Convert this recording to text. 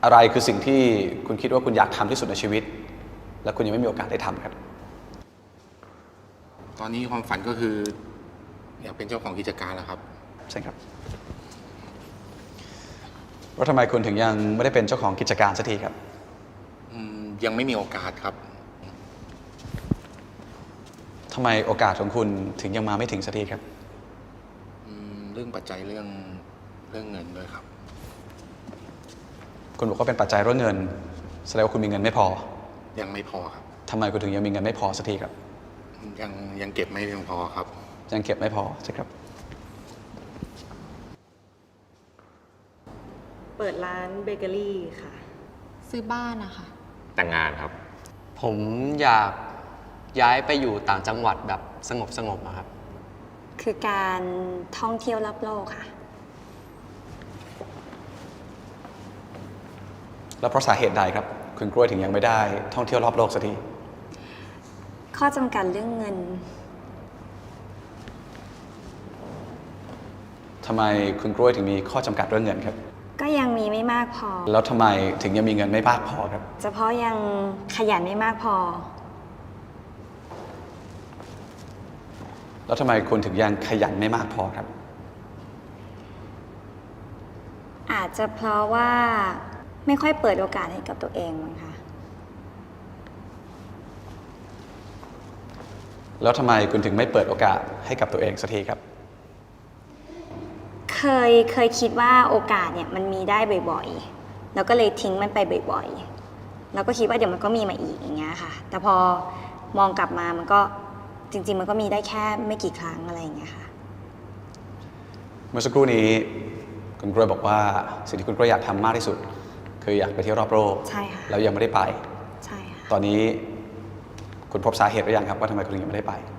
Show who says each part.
Speaker 1: อะไรคือสิ่งที่คุณคิดว่าคุณอยากทำที่สุดในชีวิตและคุณยังไม่มีโอกาสได้ทำครับ
Speaker 2: ตอนนี้ความฝันก็คืออยากเป็นเจ้าของกิจการแล้วครับ
Speaker 1: ใช่ครับแล้วทำไมคุณถึงยังไม่ได้เป็นเจ้าของกิจการสักทีครับ
Speaker 2: ยังไม่มีโอกาสครับ
Speaker 1: ทำไมโอกาสของคุณถึงยังมาไม่ถึงสักทีครับ
Speaker 2: เรื่องปัจจัยเรื่องเงินด้วยครับ
Speaker 1: คุณบอกว่าเป็นปัจจัยเรื่องเงินแสดงว่าคุณมีเงินไม่พอ
Speaker 2: ยังไม่พอครับ
Speaker 1: ทำไมคุณถึงยังมีเงินไม่พอสักทีครับ
Speaker 2: ยังเก็บไม่เพียงพอครับ
Speaker 1: ยังเก็บไม่พอใช่ครับ
Speaker 3: เปิดร้านเบเกอรี่ค่ะ
Speaker 4: ซื้อบ้านนะคะ
Speaker 5: แต่งงานครับ
Speaker 6: ผมอยากย้ายไปอยู่ต่างจังหวัดแบบสงบนะครับ
Speaker 4: คือการท่องเที่ยวรอบโลกค่ะ
Speaker 1: แล้วเพราะสาเหตุใดครับคุณกล้วยถึงยังไม่ได้ท่องเที่ยวรอบโลกสักที
Speaker 4: ข้อจำกัดเรื่องเงิน
Speaker 1: ทำไมคุณกล้วยถึงมีข้อจำกัดเรื่องเงินครับ
Speaker 4: ก็ยังมีไม่มากพอ
Speaker 1: แล้วทำไมถึงยังมีเงินไม่มากพอครับ
Speaker 4: เฉพาะยังขยันไม่มากพอ
Speaker 1: แล้วทำไมคุณถึงยังขยันไม่มากพอครับ
Speaker 4: อาจจะเพราะว่าไม่ค่อยเปิดโอกาสให้กับตัวเองมั้งคะ
Speaker 1: แล้วทำไมคุณถึงไม่เปิดโอกาสให้กับตัวเองสักทีครับ
Speaker 4: เคยคิดว่าโอกาสเนี่ยมันมีได้บ่อยๆแล้วก็เลยทิ้งมันไปบ่อยๆแล้วก็คิดว่าเดี๋ยวมันก็มีมาอีกอย่างเงี้ยค่ะแต่พอมองกลับมามันก็จริงๆมันก็มีได้แค่ไม่กี่ครั้งอะไรอย่างเงี้ยค่ะ
Speaker 1: เมื่อสักครู่นี้คุณกล้วยบอกว่าสิ่งที่คุณกล้วยอยากทำมากที่สุดคืออยากไปเที่ยวรอบโลก
Speaker 4: ใช่ค่ะ
Speaker 1: แล้วยังไม่ได้ไป
Speaker 4: ใช่ค่ะ
Speaker 1: ตอนนี้คุณพบสาเหตุหรือยังครับว่าทำไมคุณยังไม่ได้ไป